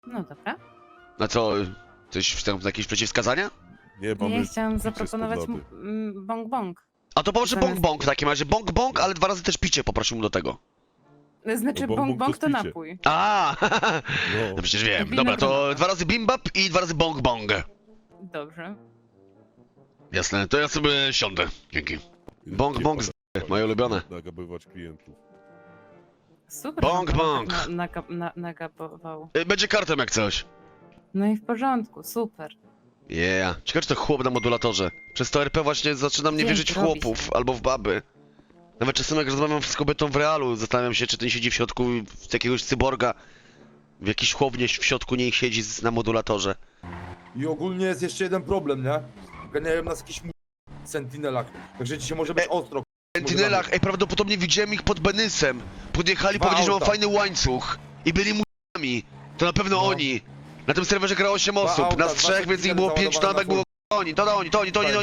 No dobra. A co, coś jakieś przeciwwskazania? Nie, mamy... Ja chciałam picie zaproponować spod lody. bong bong. A to poproszę Zamiast- bong bong w takim razie. Bong bong, ale 2 razy też picie poprosił mu do tego. Znaczy No bong bong bong bong to to picie. napój. A, No. no przecież wiem. Wino Dobra, to gronowe. 2 razy bimbap i 2 razy bong bong. Dobrze. Jasne, to ja sobie siądę. Dzięki. Bong Nie bong, pada- moje ulubione. Nagabywać klientów. Super. Bong, że pan bong. tak nagabował. Będzie kartem jak coś. No i w porządku, super. Yeah. Ciekawe, czy to chłop na modulatorze. Przez to RP właśnie zaczyna mnie Wiem, wierzyć w robi chłopów się. albo w baby. Nawet czasem jak rozmawiam z kobietą w realu, zastanawiam się, czy ten siedzi w środku z jakiegoś cyborga. W jakiejś chłownie w środku niej siedzi na modulatorze. I ogólnie jest jeszcze jeden problem, nie? Ganiają nas jakiś sentinelach, także dzisiaj może być ostro. W Sentinelach, ej, prawdopodobnie widziałem ich pod Benysem. Podjechali, Dwa powiedzieli, że mam auta. fajny łańcuch. I byli mu***ami. To na pewno No. oni. Na tym serwerze grało 8 Dwa osób, auta, nas dwa 3, więc ich było 5, to załadowane nawet było oni, to oni.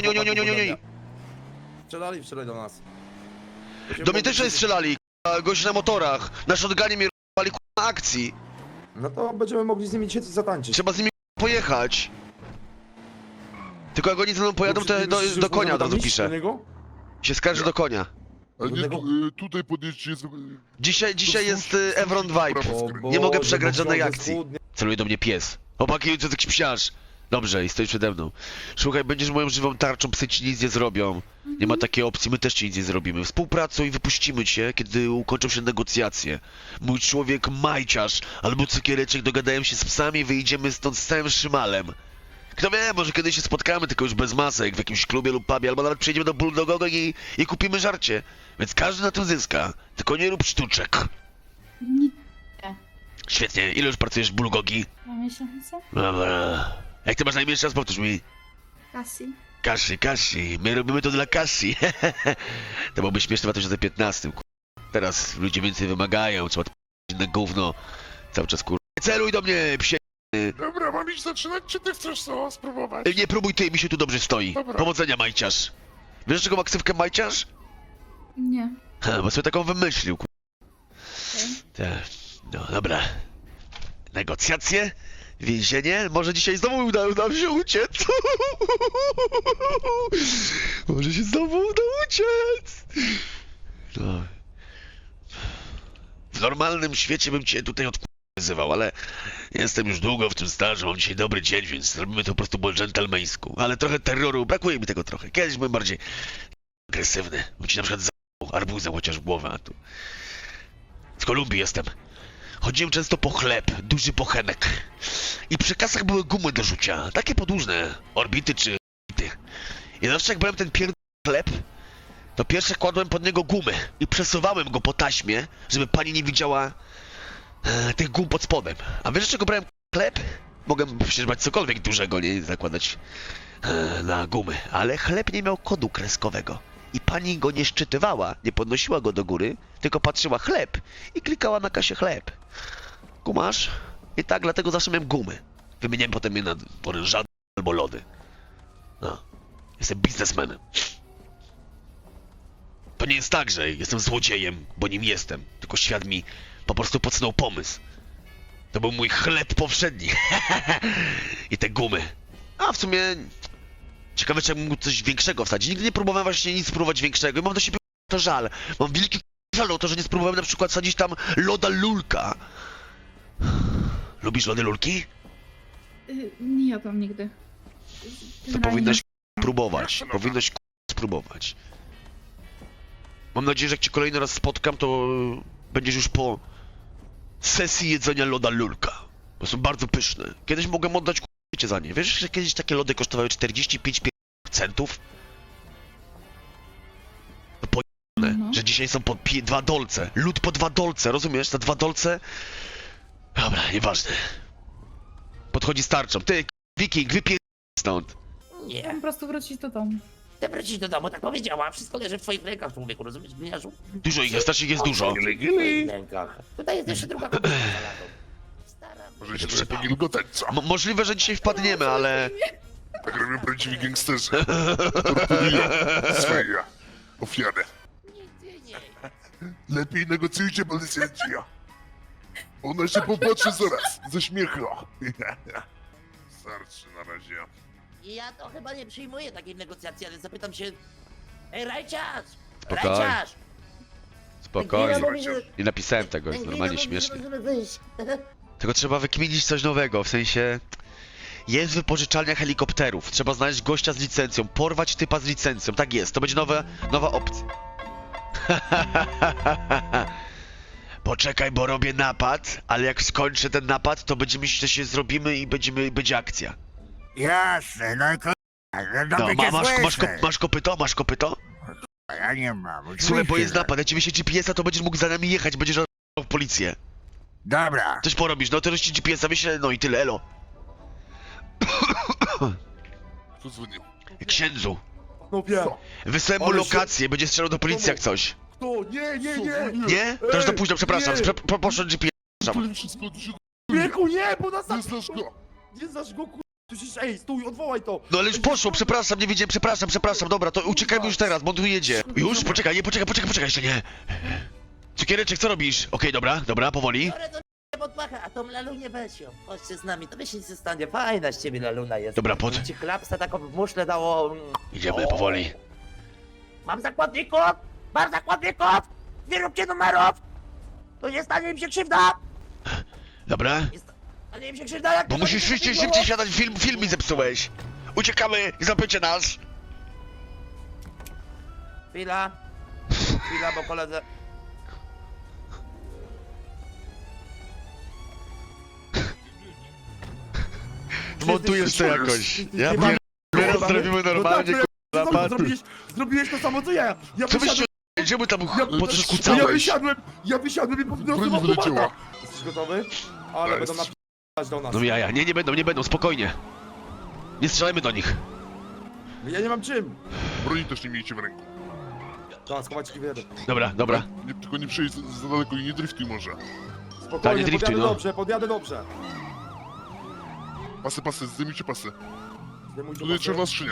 Strzelali do nas. Do mnie też tutaj strzelali, gości na motorach. Na shotgunie mnie r***ali na akcji. No to będziemy mogli z nimi dzisiaj coś zatańczyć. Trzeba z nimi pojechać. Tylko jak oni ze mną pojadą, to ja do konia od razu piszę. Się skarży do konia. A nie, Żadnego- tutaj podjeźdźcie jest... Dzisiaj jest Evron Vibe. Nie mogę przegrać żadnej akcji. Celuje do mnie pies. Chłopaki, to jest jakiś psiarz. Dobrze, i stoi przede mną. Słuchaj, będziesz moją żywą tarczą, psy ci nic nie zrobią. Nie ma takiej opcji, my też ci nic nie zrobimy. Współpracuj i wypuścimy cię, kiedy ukończą się negocjacje. Mój człowiek Majciarz albo Cukiereczek dogadają się z psami i wyjdziemy stąd z całym szymalem. Kto wie, może kiedyś się spotkamy, tylko już bez masek, w jakimś klubie lub pubie, albo nawet przyjedziemy do Bulldogoga i kupimy żarcie. Więc każdy na tym zyska, tylko nie rób sztuczek. Nie, Świetnie, ile już pracujesz w Bulldogi? 2 miesiące? Dobra. Jak ty masz na imię, jeszcze raz powtórz mi. Kasi. Kasi. My robimy to dla Kasi. To byłoby śmieszne w 2015. Teraz ludzie więcej wymagają, trzeba inne gówno. Cały czas celuj do mnie, psie. Dobra, mam iść zaczynać, czy ty chcesz co spróbować? Nie próbuj ty, mi się tu dobrze stoi. Dobra. Powodzenia, Majciarz. Wiesz, czego ma ksywkę Majciarz? Nie. Ha, bo sobie taką wymyślił, Okej. Tak. No, dobra. Negocjacje? Więzienie? Może dzisiaj znowu uda nam się uciec? Może się znowu uda uciec? No. W normalnym świecie bym cię tutaj odwyzywał, ale jestem już długo w tym stażu, mam dzisiaj dobry dzień, więc robimy to po prostu po dżentelmeńsku. Ale trochę terroru, brakuje mi tego trochę. Kiedyś byłem bardziej agresywny. Bym ci na przykład za***ł arbuzem chociaż w głowę, a tu... Z Kolumbii jestem. Chodziłem często po chleb, duży pochenek. I przy kasach były gumy do rzucia, takie podłużne, orbity czy orbity. I zawsze jak brałem ten chleb, to pierwsze kładłem pod niego gumy i przesuwałem go po taśmie, żeby pani nie widziała tych gum pod spodem. A wiesz, czego brałem chleb? Mogłem przecież brać cokolwiek dużego, nie zakładać na gumy, ale chleb nie miał kodu kreskowego. I pani go nie szczytywała, nie podnosiła go do góry, tylko patrzyła chleb i klikała na kasie chleb. Kumasz? I tak dlatego zawsze miałem gumy. Wymieniałem potem je na orężady albo lody. No. Jestem biznesmenem. To nie jest tak, że jestem złodziejem, bo nim jestem. Tylko świat mi po prostu podsunął pomysł. To był mój chleb powszedni. I te gumy. A w sumie... Ciekawe, czy ja mógł coś większego wsadzić. Nigdy nie próbowałem właśnie nic spróbować większego i mam do siebie to żal. Mam wielki żal o to, że nie spróbowałem na przykład sadzić tam loda lulka. Lubisz lody lulki? Nie jadłam nigdy. To Generalnie powinnaś próbować. Powinnaś spróbować. Mam nadzieję, że jak cię kolejny raz spotkam, to będziesz już po sesji jedzenia loda lulka. Bo są bardzo pyszne. Kiedyś mogłem oddać k***cie za nie. Wiesz, że kiedyś takie lody kosztowały 45 centów? To pojebane, No. że dzisiaj są po 2 dolce. Lód po 2 dolce, rozumiesz? Za 2 dolce? Dobra, nieważne. Podchodzi z tarczą. Ty, wiking, wypier... stąd. Chcę po prostu wrócić do domu. Chcę wrócić do domu, tak powiedziała. Wszystko leży w twoich rękach, człowieku, rozumiesz, gniażu? Dużo ich jest, starszych jest dużo. W twoich rękach. Tutaj jest jeszcze druga kobieta za ladą. Stara... Może się przepili do tańca. Możliwe, że dzisiaj wpadniemy, ale... Tak robią prawdziwi gangsterzy. Torturują swoje ofiary. Nigdy nie. Lepiej negocjujcie, policjanci. Ona się popatrzy zaraz, ze śmiechu. Starczy na razie. Ja to chyba nie przyjmuję takiej negocjacji, ale zapytam się... Ej, Rajciarz! Spokojnie. Rajciarz! Spokojnie. Mówi, że- Nie napisałem tego, jest Węgryna normalnie mówi, że śmiesznie. możemy wyjść. Tylko trzeba wykminić coś nowego, w sensie... Jest wypożyczalnia helikopterów, trzeba znaleźć gościa z licencją, porwać typa z licencją, tak jest, to będzie nowa opcja. Poczekaj, bo robię napad, ale jak skończę ten napad, to będziemy że się zrobimy i będzie akcja. Jasne, no i No, dobrze cię słyszę. masz kopyto? Masz kopyto? Ja nie mam. Słuchaj, bo oczywiście, jest że- napad, jak ci wyślę GPS-a, to będziesz mógł za nami jechać, będziesz w policję. Dobra. Coś porobisz, no to ci GPS-a wyślę, no i tyle, elo. Kto dzwonił? Księdzu, No wiem. wysłałem mu Ale się- lokację, będzie strzelał do policji jak coś. Kto? Nie. Nie? To już za późno, przepraszam, nie. poszedł GPS. Powiem wszystko, ty się Wieku, nie, bo nas nie znasz go. Nie znasz go, kur... Ty się, ej, stój, odwołaj to. No ale już poszło, przepraszam, nie wiedziałem, przepraszam, dobra, to uciekajmy już teraz, bo on tu jedzie. Już? Poczekaj, nie, poczekaj, jeszcze nie. Cukiereczek, co robisz? Okej, dobra, powoli. Biorę do pod pachę, a tą lalunię weź ją. Chodźcie z nami, to wiesz nic nie stanie. Fajna z ciebie laluna jest. Dobra, pod. Ci chlapsa taką w muszle dało... Idziemy powoli. Mam zakładników! Mam zakładników! Nie róbcie numerów! To nie stanie im się krzywda! Dobra? Nie stanie im się krzywda, jak Bo to musisz będzie szybciej siadać, film mi zepsułeś. Uciekamy, zapiecie nas. Chwila, bo koledze... Zmontujesz to jakoś. Ja Nie mam- teraz zrobimy normalnie, No tak, napad. zrobiłeś to samo co ja. Ja Co byście... wysiadłem, Gdzie mu tam ja kucałeś? wysiadłem i po prostu Broń wyleciała. Jesteś gotowy? Ale Jest. będą napisać do nas. No jaja, nie będą, spokojnie. Nie strzelajmy do nich. Ja nie mam czym. Broni też nie miejcie w ręku. Tak, schować ci wiedzę. Dobra. Nie, tylko nie przejdź za daleko i nie driftuj może. Spokojnie, driftuj, podjadę no. dobrze, podjadę dobrze. Pasy, zdejmijcie pasy. Zdejmujcie Tutaj pasy. czerwona skrzynia.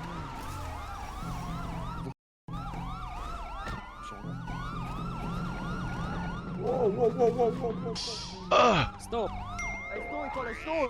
Wow. Ah, Ej, stój, koleś, stój!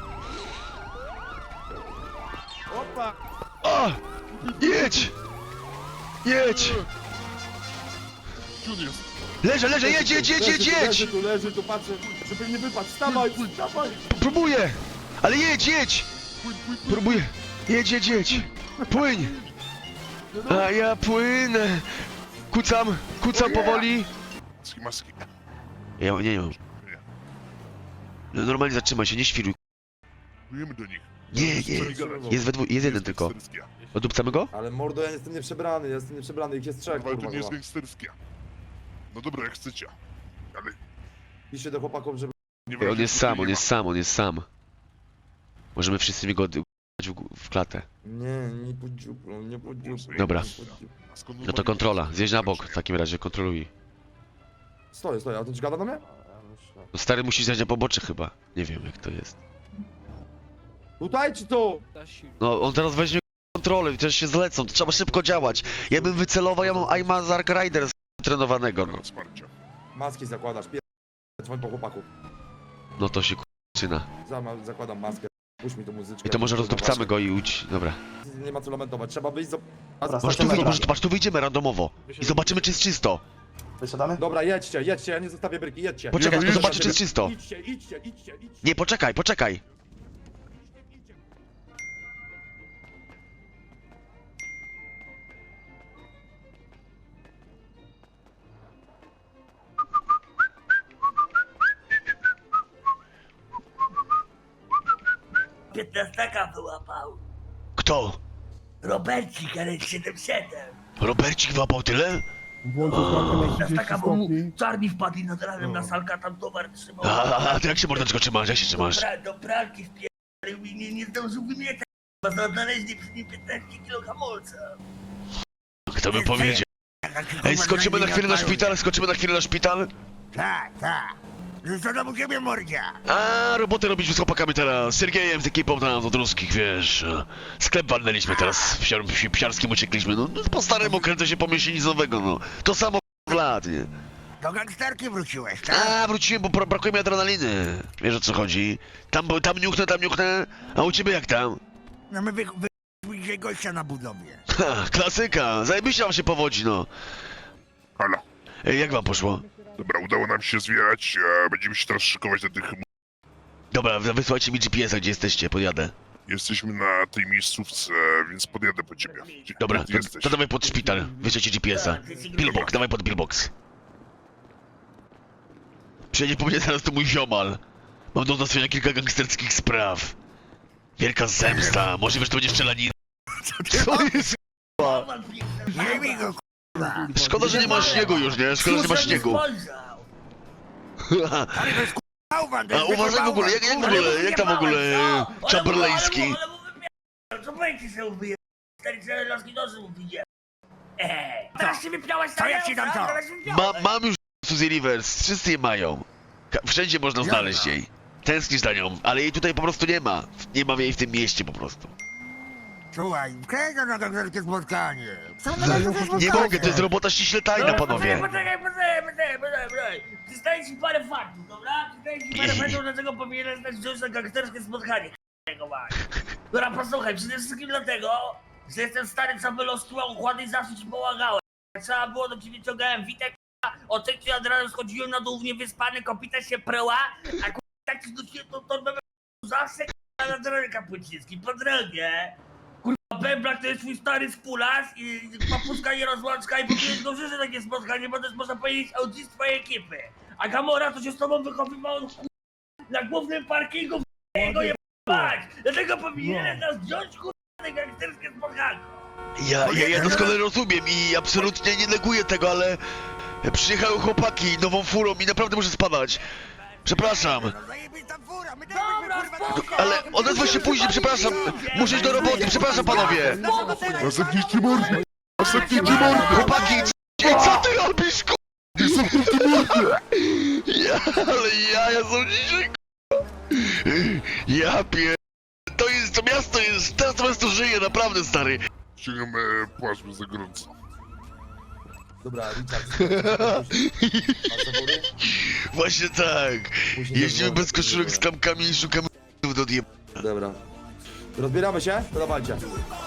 Opa! jedź! Jedź! Gdzie on jest? Leżę, jedź! Leży tu, patrzę, żeby nie wypadł. Wstawaj! Próbuję! Ale jedź! Próbuję. Jedź! Płyń! A ja płynę! Kucam powoli. Maski. Ja nie mam. No, normalnie zatrzymaj się, nie świruj. Płyjemy do nich. Nie. Jest jeden tylko. Gangsterskie. Odupcamy go? Ale mordo, ja jestem nieprzebrany, ich jest trzech, Ale to kurwa. nie jest gangsterskie. No dobra, jak chcecie. Ale Piszcie do chłopaków, żeby... nie On jest sam. Możemy wszyscy go w klatę. Nie podziuplą. Dobra. Nie podziuplą. A skąd No to normalnie kontrola, jest? zjeźdź na bok w takim razie, kontroluj. Stoję, a to ci gada do mnie? No stary musi zjechać na pobocze chyba. Nie wiem jak to jest. Tutaj czy tu? No on teraz weźmie kontrolę i też się zlecą, to trzeba szybko działać. Ja bym wycelował, ja mam Aima z Ark Riders trenowanego, no. Dobra, wsparcie. Maski zakładasz, dzwoń po chłopaku. No to się zaczyna. Zakładam maskę, puść mi tą muzyczkę. I to może rozdupcamy go i udź. Dobra. Nie ma co lamentować, trzeba wyjść z... Masz tu wyjdziemy randomowo. I zobaczymy czy jest czysto. Dobra, jedźcie, ja nie zostawię bryki, jedźcie. Poczekaj, Nie, tylko zobaczę czy jest czysto. Idźcie. Nie, poczekaj. Piętnastaka wyłapał. Kto? Robercik, ale 7-7. Robercik wyłapał tyle? Piętnastaka, bo mu czarni wpadli nad ranem na salka, tam towar trzymał. A ty jak się mordeczko trzymasz? Jak się trzymasz? Do pralki wpierdolił i nie zdążył wymietać. Znaleźli przy nim 15 kilo hamulca. Kto by powiedział? Ej, skoczymy na chwilę na szpital? Tak. Co tam u ciebie, mordzia? A, robotę robiliśmy z chłopakami teraz, z Sergejem, z ekipą tam od ruskich, wiesz. Sklep walnęliśmy teraz, w psiarskim uciekliśmy, no po staremu kręcę się pomyśli nic nowego, no. To samo lat, nie? Do gangsterki wróciłeś, tak? A, wróciłem, bo brakuje mi adrenaliny. Wiesz o co chodzi? Tam niuchnę, a u ciebie jak tam? No my dzisiaj gościa na budowie. Ha, klasyka, zajebiście wam się powodzi, no. Halo. Ej, jak wam poszło? Dobra, udało nam się zbierać, będziemy się teraz szykować do tych... Dobra, wysłajcie mi GPS-a, gdzie jesteście, podjadę. Jesteśmy na tej miejscówce, więc podjadę po ciebie. Gdzie Dobra, ty jesteś? to dawaj pod szpital, wyślijcie GPS-a. Pillbox, dawaj pod pillbox. Przyjedzie po mnie zaraz to mój ziomal. Mam do załatwienia kilka gangsterskich spraw. Wielka zemsta, możliwe, że to będzie strzelanina. Co jest? Nie mi go, k***a. Szkoda, że nie ma śniegu już, nie? Szkoda, że nie ma śniegu. Ale to jest k***a bałwan, to A jest uważaj w ogóle, jak w ogóle, jak tam w ogóle Chamberlainski? Co będzie się ubije? Stary laski nosy ubije. Teraz się wypiałaś Co ja ci dam to? Mam już Suzy Rivers, wszyscy je mają. Wszędzie można znaleźć jej. Tęsknisz za nią, ale jej tutaj po prostu nie ma. Nie ma jej w tym mieście po prostu. Słuchaj, kręcę na gangsterskie spotkanie. Nie mogę, to jest robota ściśle tajna, panowie. Poczekaj. Przystaję ci parę faktów, dobra? Przystaję ci parę faktów, dlaczego powinieneś znać wziąć na gangsterskie spotkanie. Dobra, posłuchaj, przede wszystkim dlatego, że jestem stary, co wyloskiwał układy i zawsze ci pomagałem. Jak trzeba było, do ciebie ciągałem witek, o 3 od razu schodziłem na dół w niewyspany, kopita się preła, a tak ci dusiłem tą torbę zawsze na drogie kapuciński, po drogie. Pęblak to jest twój stary spularz i papuszka i rozłączka i powinieneś go życzyć takie spotkanie, bo to jest, można powiedzieć, autist twojej ekipy. A Gamora to się z tobą wychowywała na głównym parkingu w jego jebać. Dlatego powinieneś nas wziąć na gangsterskie spotkanie. Ja doskonale rozumiem i absolutnie nie neguję tego, ale przyjechały chłopaki nową furą i naprawdę muszę spadać. Przepraszam, No zajebista fura, my Dobra, też byśmy, kurwa, ale odezwę się później, przepraszam. Muszę iść do roboty, przepraszam panowie. A zamknijcie mordę! A zamknijcie mordę! Chłopaki, co ty robisz, ku... Ale ja są dzisiaj, ku... Ja pier... To miasto jest, teraz to miasto żyje, naprawdę, stary. Ściągam płaszcz, bo za gorąco. Dobra, Richard. Masz zawory? Właśnie tak. Później Jeździmy dobra, bez koszulek z klamkami i szukamy do odjeb... Dobra. Rozbieramy się? To dawajcie.